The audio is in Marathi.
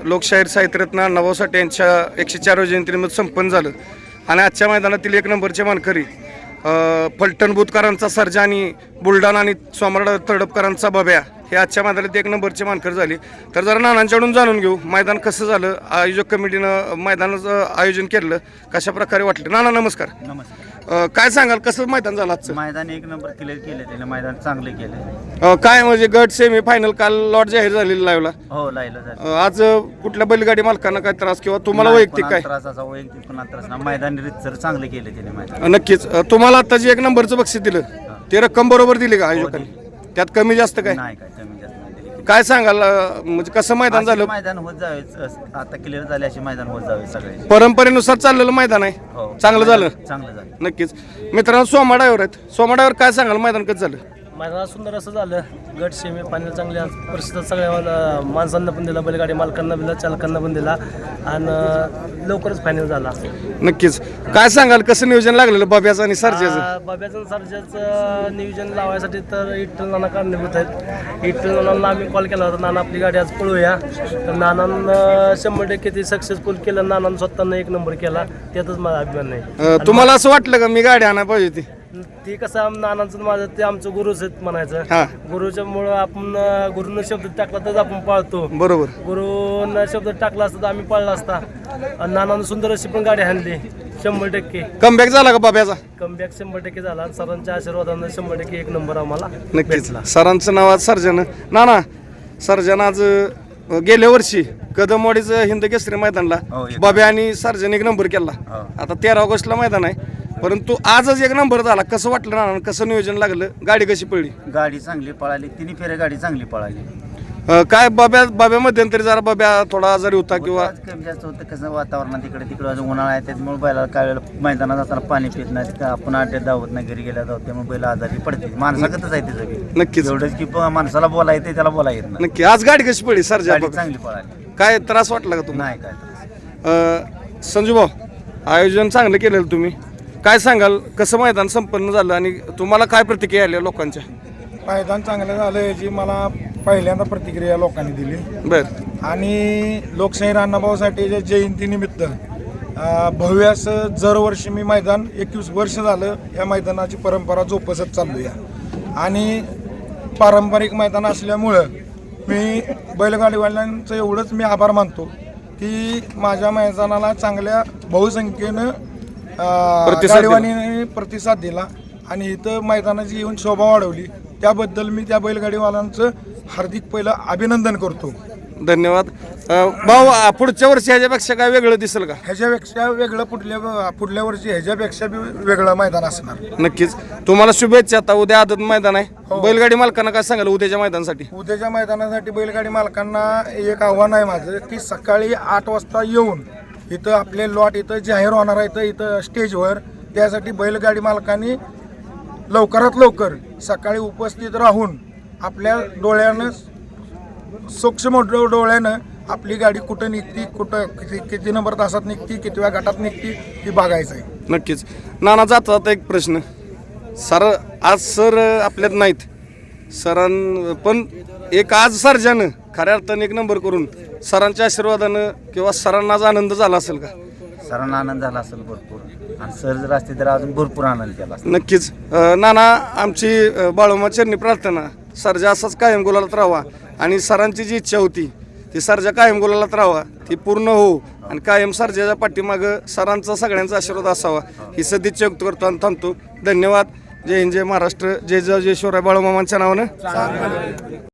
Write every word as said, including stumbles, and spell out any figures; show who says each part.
Speaker 1: लोकशाहीर साहित्यरत्न अण्णाभाऊ साठे यांच्या एकशे चारव्या जयंतीनिमित्त संपन्न झालं आणि आजच्या मैदानातील एक नंबरचे मानकरी फलटण बुधकरांचा सर्जा आणि बुलढाणा आणि सोमवार तडपकरांचा बब्या हे आजच्या मैदानात एक नंबरचे मानकर झाले. तर जरा नानांच्याकडून जाणून घेऊ मैदान कसं झालं, आयोजक कमिटीनं मैदानाचं आयोजन केलं, कशा प्रकारे वाटलं. नाना नमस्कार.
Speaker 2: नमस्कार.
Speaker 1: काय सांगाल कसं मैदान झालं आजचं?
Speaker 2: मैदान एक नंबर क्लिअर केलं त्याने, मैदान चांगले केले.
Speaker 1: काय म्हणजे गट सेमी फायनल काल लॉट जाहीर झालेली लाईव्हला.
Speaker 2: हो लाईव्हला.
Speaker 1: आज कुठल्या बैलगाडी मालकांना काय त्रास किंवा तुम्हाला वैयक्तिक काय
Speaker 2: त्रासाचा वैयक्तिक पण त्रास ना, मैदान रितसर चांगले केले त्याने मैदान.
Speaker 1: नक्कीच. तुम्हाला आता जे एक नंबरचं बक्षीस दिलं ते रक्कम बरोबर दिली का आयोजकांनी? त्यात कमी जास्त काय
Speaker 2: नाही, काय कमी जास्त नाही दिली.
Speaker 1: काय सांगाल म्हणजे कसं मैदान झालं?
Speaker 2: मैदान होत जावे आता क्लिअर झाले असे मैदान होत जावे सगळे.
Speaker 1: परंपरेनुसार चाललेलं मैदान आहे.
Speaker 2: हो
Speaker 1: चांगलं झालं.
Speaker 2: चांगलं झालं.
Speaker 1: नक्कीच. मित्रांनो सोमा ड्रायव्हर आहेत. सोमा ड्रायव्हर काय सांगाल मैदान कसं झालं?
Speaker 3: मैदानात सुंदर असं झालं. गट सेमी फायनल चांगल्या परिस्थितीत सगळ्या माणसांना पण दिला, बैलगाडी मालकांना दिला, चालकांना पण दिला आणि लवकरच फायनल झाला.
Speaker 1: नक्कीच. काय सांगाल कसं नियोजन लागलेलं बाब्याचं आणि सरजेचं?
Speaker 3: बाब्याचं आणि सरजेचं नियोजन लावायसाठी तर इट्टल नाना कारणीभूत आहेत. इट्टल नानांना आम्ही कॉल केला होता, नाना आपली गाडी आज पळूया. तर नानांना शंभर टक्के ते सक्सेसफुल केलं. नानांना स्वतःनं एक नंबर केला, त्यातच माझा अभिमान नाही.
Speaker 1: तुम्हाला असं वाटलं का मी गाडी आणायला पाहिजे होती?
Speaker 3: ते कसं नानांचं माझं ते आमचं गुरुच आहेत म्हणायचं.
Speaker 1: हा.
Speaker 3: गुरुच्या मुळे आपण गुरुनं शब्द टाकला तर आपण पाळतो.
Speaker 1: बरोबर.
Speaker 3: गुरुनं शब्द टाकला असता तर आम्ही पाळला असता. आणि नानानं सुंदर अशी पण गाडी आणली. शंभर टक्के
Speaker 1: कमबॅक झाला का बाब्याचा?
Speaker 3: कमबॅक शंभर टक्के झाला. सरांच्या आशीर्वादानं शंभर टक्के एक नंबर आम्हाला
Speaker 1: नक्कीच. सरांचं नाव आज सर्जन. नाना सर्जन आज गेल्या वर्षी कदमवाडीचं हिंद केसरी मैदानला
Speaker 2: हो, एक
Speaker 1: बाब्या आणि सर्जन एक नंबर केला.
Speaker 2: हो.
Speaker 1: आता तेरा ऑगस्टला मैदान आहे, परंतु आजच एक नंबर झाला. कसं वाटलं नाना? कसं नियोजन लागलं? गाडी कशी पडली?
Speaker 2: गाडी चांगली पळाली, तिन्ही फेऱ्या गाडी चांगली पळाली.
Speaker 1: अं, काय बाब्या बाब्या मध्यंतरी जरा बाब्या थोडा आजारी होता किंवा
Speaker 2: आज कमी जास्त होतं. कसं वातावरणात तिकडे तिकडे अजून उन्हाळा आहे, त्याच्यामुळे बैला काय वेळेला मैदानात असताना पाणी पित नाही, का आपण आड्यात धावत नाही, घरी गेल्या जाऊ, त्यामुळे बैल आजारी पडते. माणसाकच आहे त्याचं बी.
Speaker 1: नक्कीच.
Speaker 2: एवढंच की प- माणसाला बोला येते, त्याला बोला येत नाही.
Speaker 1: नक्की. आज गाडी कशी पडली सर्जा?
Speaker 2: गाडी चांगली पळाली,
Speaker 1: काय त्रास वाटला का तुम्हाला?
Speaker 2: नाही काय त्रास.
Speaker 1: संजू भाऊ, आयोजन चांगलं केलेलं तुम्ही. काय सांगाल कसं मैदान संपन्न झालं आणि तुम्हाला काय प्रतिक्रिया आल्या लोकांच्या?
Speaker 4: मैदान चांगलं झालं याची मला पहिल्यांदा प्रतिक्रिया लोकांनी दिली.
Speaker 1: बर.
Speaker 4: आणि लोकशाहीर अण्णाभाऊसाठेच्या जयंतीनिमित्त अं, भव्य असं दरवर्षी मी मैदान एकवीस वर्ष झालं या मैदानाची परंपरा जोपासत चाललो या. आणि पारंपरिक मैदान असल्यामुळं मी बैलगाडीवाल्यांचं एवढंच मी आभार मानतो की माझ्या मैदानाला चांगल्या बहुसंख्येनं
Speaker 1: प्रतिसाद दिला.
Speaker 4: गाडीवाल्यांनी प्रतिसाद दिला आणि इथं मैदानाची येऊन शोभा वाढवली. त्याबद्दल मी त्या बैलगाडीवाल्यांचं हार्दिक पहिलं अभिनंदन करतो.
Speaker 1: धन्यवाद. अं, भाऊ आ, पुढच्या वर्षी ह्याच्यापेक्षा काय वेगळं दिसेल का?
Speaker 4: ह्याच्यापेक्षा वेगळं पुढल्या पुढल्या वर्षी ह्याच्यापेक्षा बी वेगळं मैदान असणार.
Speaker 1: नक्कीच. तुम्हाला शुभेच्छा. आता उद्या आदत मैदान आहे.
Speaker 4: हो.
Speaker 1: बैलगाडी मालकांना काय सांगाल उद्याच्या मैदानासाठी?
Speaker 4: उद्याच्या मैदानासाठी बैलगाडी मालकांना एक आव्हान आहे माझं की सकाळी आठ वाजता येऊन इथं आपले लॉट इथं जाहीर होणार आहे, इथं इथं स्टेजवर. त्यासाठी बैलगाडी मालकांनी लवकरात लवकर सकाळी उपस्थित राहून आपल्या डोळ्यानं सूक्ष्म डो डोळ्यानं आपली गाडी कुठं निघती, कुठं किती किती नंबर तासात निघती, कितव्या गटात निघती ही बघायचं आहे.
Speaker 1: नक्कीच. नाना जाता जाता एक प्रश्न. सर आज सर आपल्यात नाहीत. सरां पण एक आज सर्जानं खऱ्या अर्थाने एक नंबर करून सरांच्या आशीर्वादानं किंवा सरांना आज आनंद झाला असेल का?
Speaker 2: सरांना आनंद झाला असेल भरपूर, आणि सर जर असते तर अजून भरपूर आनंद केला असता.
Speaker 1: नक्कीच. अं, नाना आमची अं, बाळोमा चरणी प्रार्थना सर्जा असाच कायम गुलालात राहावा आणि सरांची जी इच्छा होती ती सर्जा कायम गुलालात राहावा ती पूर्ण हो आणि कायम सर्जाच्या पाठीमागं सरांचा सगळ्यांचा आशीर्वाद असावा ही सदिच्छा व्यक्त करतो आणि थांबतो. धन्यवाद. जय हिंद, जय महाराष्ट्र, जय जय जय शिवराय बाळोमामांच्या नावानं.